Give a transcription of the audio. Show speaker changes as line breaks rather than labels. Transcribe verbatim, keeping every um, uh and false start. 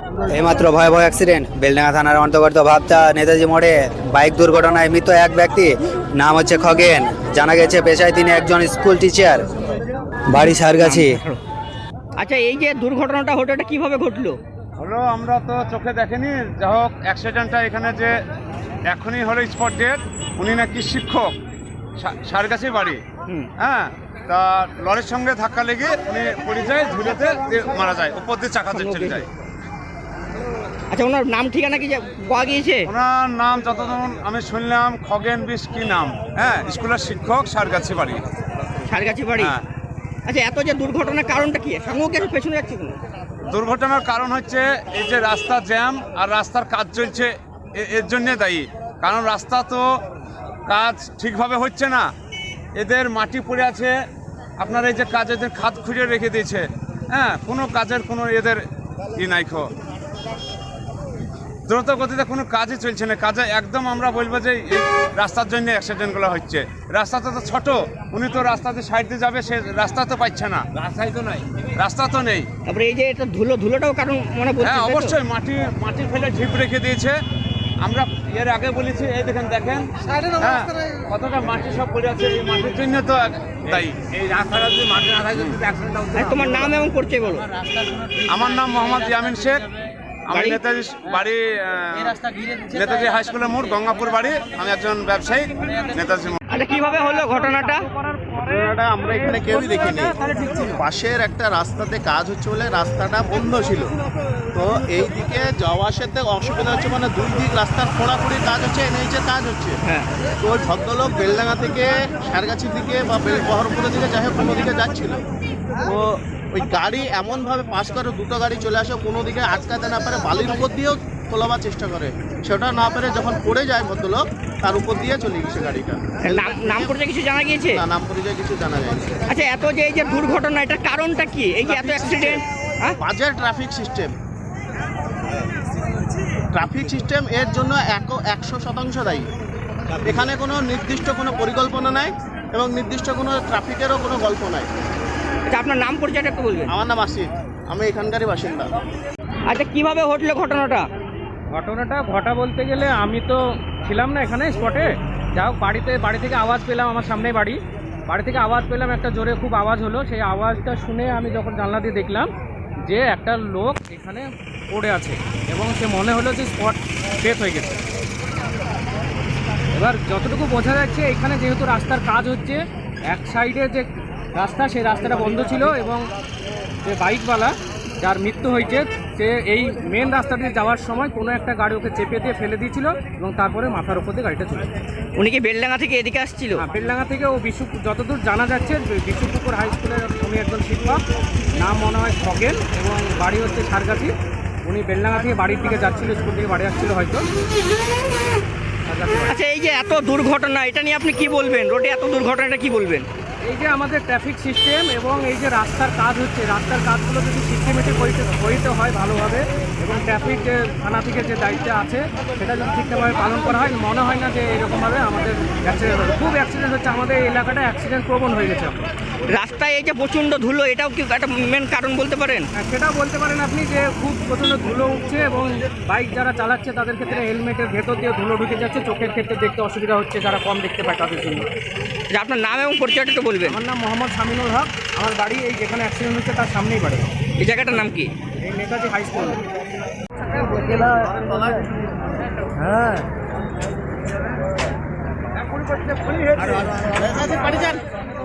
এইমাত্র ভয়াবহ অ্যাক্সিডেন্ট বেলডাঙ্গা থানার অন্তর্গত ভাবতা নেতাজি মোড়ে বাইক দুর্ঘটনায় মৃত এক ব্যক্তি, নাম হচ্ছে খগেন। জানা গেছে পেশায় তিনি একজন স্কুল টিচার, বাড়ি সারগাছি।
আচ্ছা, এই যে দুর্ঘটনাটা হলো এটা কিভাবে ঘটলো?
হলো আমরা তো চোখে দেখেনি, যা হোক অ্যাক্সিডেন্টটা এখানে যে এখনই হলো স্পট ডেট। উনি নাকি শিক্ষক, সারগাছি বাড়ি। হ্যাঁ, তা লরির সঙ্গে ধাক্কা লেগে উনি পড়ে যায়, ঝুলেতে মারা যায়, উপর দিয়ে চাকা চলে যায়।
আচ্ছা, ওনার নাম ঠিকানা কি পাওয়া গিয়েছে?
ওনার নাম যতক্ষণ আমি শুনলাম খগেন বিশ কি নাম। হ্যাঁ, স্কুলের শিক্ষক, সারগাছি বাড়ি।
সারগাছি বাড়ি।
হ্যাঁ।
আচ্ছা, এত যে দুর্ঘটনার কারণটা কি? সঙ্গে কি পেছনে যাচ্ছে কোনো?
দুর্ঘটনার কারণ হচ্ছে এই যে রাস্তা জ্যাম আর রাস্তার কাজ চলছে, এর জন্যে দায়ী। কারণ রাস্তা তো কাজ ঠিকভাবে হচ্ছে না, এদের মাটি পড়ে আছে, আপনার এই যে কাজ এদের খাত খুঁড়ে রেখে দিয়েছে। হ্যাঁ, কোনো কাজের কোনো এদের ই নাই, খো দ্রুত গতিতে কোনো কাজই চলছে না। কাজে একদম আমরা বলবো যে এই রাস্তার জন্য অ্যাক্সিডেন্টগুলো হচ্ছে। রাস্তাটা তো ছোট, উনি তো রাস্তাতে সাইড দিয়ে যাবে, সে রাস্তা তো পাচ্ছে না, রাস্তাই তো নাই, রাস্তা তো নেই।
তারপরে এই যে এটা ধুলো ধুলোটাও কারণ মনে বলছে।
হ্যাঁ, অবশ্যই মাটি মাটি ফেলে ঢিপ রেখে দিয়েছে। আমরা এর আগে বলেছি, এই দেখেন দেখেন হ্যাঁ কতটা মাটি সব পড়ে আছে, এই মাটির জন্য তো তাই এই রাস্তাটা যদি মাটি না থাকে অ্যাক্সিডেন্ট হতো।
তোমার নাম এবং পরিচয় বলো।
আমার নাম মোহাম্মদ ইয়ামিন শেখ, আমি নেতাজি বাড়ি, নেতাজি হাই স্কুলের মোড়, গঙ্গাপুর বাড়ি। আমি একজন ব্যবসায়ী, নেতাজি।
আচ্ছা, কিভাবে হলো ঘটনাটা?
ঘটনাটা আমরা এখানে কেউই দেখিনি। পাশের একটা রাস্তাতে কাজ হচ্ছে বলে রাস্তাটা বন্ধ ছিল, তো এই দিকে যাওয়া আসাতে অসুবিধা হচ্ছে, মানে দুই দিক রাস্তার খোঁড়াখুড়ি কাজ হচ্ছে, এনএইচের কাজ হচ্ছে। তো ওই ভদ্রলোক বেলডাঙ্গা থেকে সারগাছির দিকে বা বহরমপুরের দিকে যাই হোক কোনো দিকে যাচ্ছিল, তো ওই গাড়ি এমনভাবে পাস করে, দুটো গাড়ি চলে আসে, কোনো দিকে আটকাতে না পারে, বালির উপর দিয়েও তোলাবার চেষ্টা করে, সেটা না পেরে যখন পড়ে যায় ভদ্রলোক, তার উপর দিয়ে চলে গেছে গাড়িটা।
নাম পরিচয় কিছু জানা গিয়েছে?
না, নাম পরিচয় কিছু জানা যায়নি।
আচ্ছা, এত যে এই যে দুর্ঘটনা, এটার কারণটা কি? এই যে এত অ্যাক্সিডেন্ট,
বাজে ট্রাফিক সিস্টেম, ট্রাফিক সিস্টেম এর জন্য একশো শতাংশ দায়ী। এখানে কোনো নির্দিষ্ট কোনো পরিকল্পনা নাই এবং নির্দিষ্ট কোনো ট্রাফিকেরও কোনো গল্প নাই।
আচ্ছা, আপনার নাম পরিচয়টা একটু বলবেন।
আমার নাম আসিফ, আমি এখানকারই বাসিন্দা।
আচ্ছা, কিভাবে ঘটলো ঘটনাটা?
ঘটনাটা ঘটা বলতে গেলে আমি তো ছিলাম না এখানে স্পটে, যা হোক বাড়িতে বাড়ি থেকে আওয়াজ পেলাম, আমার সামনেই বাড়ি, বাড়ি থেকে আওয়াজ পেলাম, একটা জোরে খুব আওয়াজ হলো। সেই আওয়াজটা শুনে আমি যখন জানলা দিয়ে দেখলাম যে একটা লোক এখানে পড়ে আছে এবং সে মনে হলো যে স্পট ডেথ হয়ে গেছে। এবার যতটুকু বোঝা যাচ্ছে, এখানে যেহেতু রাস্তার কাজ হচ্ছে, এক সাইডে যে রাস্তা সেই রাস্তাটা বন্ধ ছিল এবং যে বাইকওয়ালা যার মৃত্যু হয়েছে, সে এই মেন রাস্তা দিয়ে যাওয়ার সময় কোনো একটা গাড়ি ওকে চেপে দিয়ে ফেলে দিয়েছিল এবং তারপরে মাথার উপর দিয়ে গাড়িটা চলে।
উনি কি বেলডাঙ্গা থেকে এদিকে আসছিল?
হ্যাঁ, বেলডাঙ্গা থেকে ও বিশ্ব, যতদূর জানা যাচ্ছে বিশ্বপুকুর হাই স্কুলের উনি একজন শিক্ষক, নাম মনে হয় খগেন এবং বাড়ি হচ্ছে সারগাছি। উনি বেলডাঙ্গা থেকে বাড়ির দিকে যাচ্ছিল, স্কুল থেকে বাড়ি আসছিল হয়তো।
আচ্ছা, এই যে এত দুর্ঘটনা, এটা নিয়ে আপনি কি বলবেন? রোডে এত দুর্ঘটনাটা কি বলবেন?
এই যে আমাদের ট্রাফিক সিস্টেম এবং এই যে রাস্তার কাজ হচ্ছে, রাস্তার কাজগুলো যদি সিস্টেমেটিক হইতে হইতে হয় ভালোভাবে, এবং ট্রাফিক যে থানা থেকে যে দায়িত্ব আছে সেটা যদি ঠিকঠাকভাবে পালন করা হয়, মনে হয় না যে এরকমভাবে আমাদের অ্যাক্সিডেন্ট হবে। খুব অ্যাক্সিডেন্ট হচ্ছে, আমাদের এই এলাকাটা অ্যাক্সিডেন্ট প্রবণ হয়ে গেছে।
রাস্তায় এই যে প্রচণ্ড ধুলো, এটাও কি একটা মেন কারণ বলতে পারেন?
হ্যাঁ, সেটাও বলতে পারেন আপনি, যে খুব প্রচণ্ড ধুলো উঠছে এবং বাইক যারা চালাচ্ছে তাদের ক্ষেত্রে হেলমেটের ভেতর দিয়ে ধুলো ঢুকে যাচ্ছে, চোখের ক্ষেত্রে দেখতে অসুবিধা হচ্ছে, যারা কম দেখতে পায় তাদের জন্য।
যে আপনার নাম এবং পরিচয়টা একটু বলবেন।
আমার নাম মোহাম্মদ শামিনুল হক, আমার বাড়ি এই যেখানে অ্যাক্সিডেন্ট হচ্ছে তার সামনেই বাড়ি।
এই জায়গাটার নাম কি?
এই নেতাজি হাই স্কুল। হ্যাঁ,